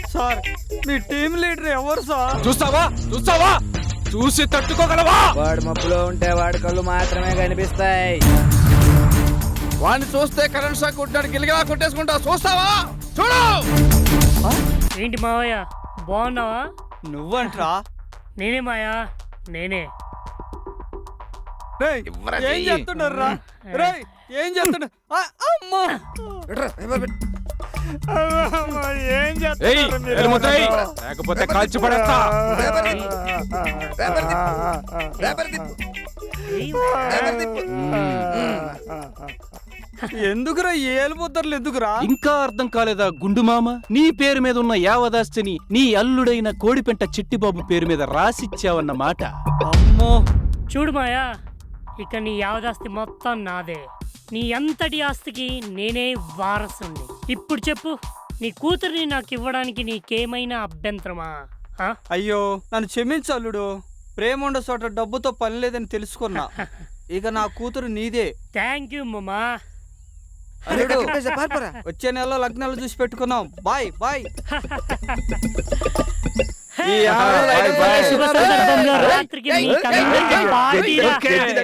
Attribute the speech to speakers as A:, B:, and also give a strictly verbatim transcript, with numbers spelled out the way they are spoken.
A: Sir మీ team leader ఎవరు sir?
B: చూస్తావా చూస్తావా చూసి తట్టుకోగలవా?
C: వాడు మబ్బులో ఉంటే వాడి కళ్ళు మాత్రమే కనిపిస్తాయి.
B: వాడిని చూస్తే కరెంట్ షాక్ కొట్టాడు గిలిగిలా కొట్టేసుకుంటా. చూస్తావా? చూడు.
D: ఏంటి మావయ్య బాగున్నావా?
A: నువ్వంట్రా?
D: నేనే మాయా నేనే.
A: రేయ్, ఏం చేస్తున్నారా? రేయ్ ఏం చేస్తున్నా? ఆ, అమ్మా అమ్మా, ఏం
B: ఏయ్,
A: చేస్తున్నారు మీరు?
B: ఎలుముతాయి. లేకపోతే కాల్చి పడేస్తా.
A: ఎందుకురా ఏలుపోతారు? ఎందుకురా?
E: ఇంకా అర్థం కాలేదా గుండు మామ? నీ పేరు మీద ఉన్న యావదాస్తిని నీ అల్లుడైన కోడిపెంట చిట్టిబాబు పేరు మీద రాసిచ్చావన్న మాట.
A: అమ్మో,
D: చూడు మాయా, ఇక నీ యావదాస్తి మొత్తం నాదే. నీ అంతటి ఆస్తికి నేనే వారసుని. ఇప్పుడు చెప్పు, నీ కూతుర్ని నాకు ఇవ్వడానికి నీకేమైనా అభ్యంతరమా? ఆ?
A: అయ్యో నన్ను క్షమించు అల్లుడు. ప్రేమ ఉండే చోట డబ్బుతో పని లేదని తెలుసుకున్నా. ఇక నా కూతురు నీదే.
D: థ్యాంక్ యూ మమ్మా.
A: అల్లుడు వచ్చే నెలలో లగ్నాలు చూసి పెట్టుకున్నాం. Bye bye.
B: ఈ ఆడవాళ్ళు
D: శుభ సందర్భంగా రాత్రికి మీకందరికీ పార్టీరా.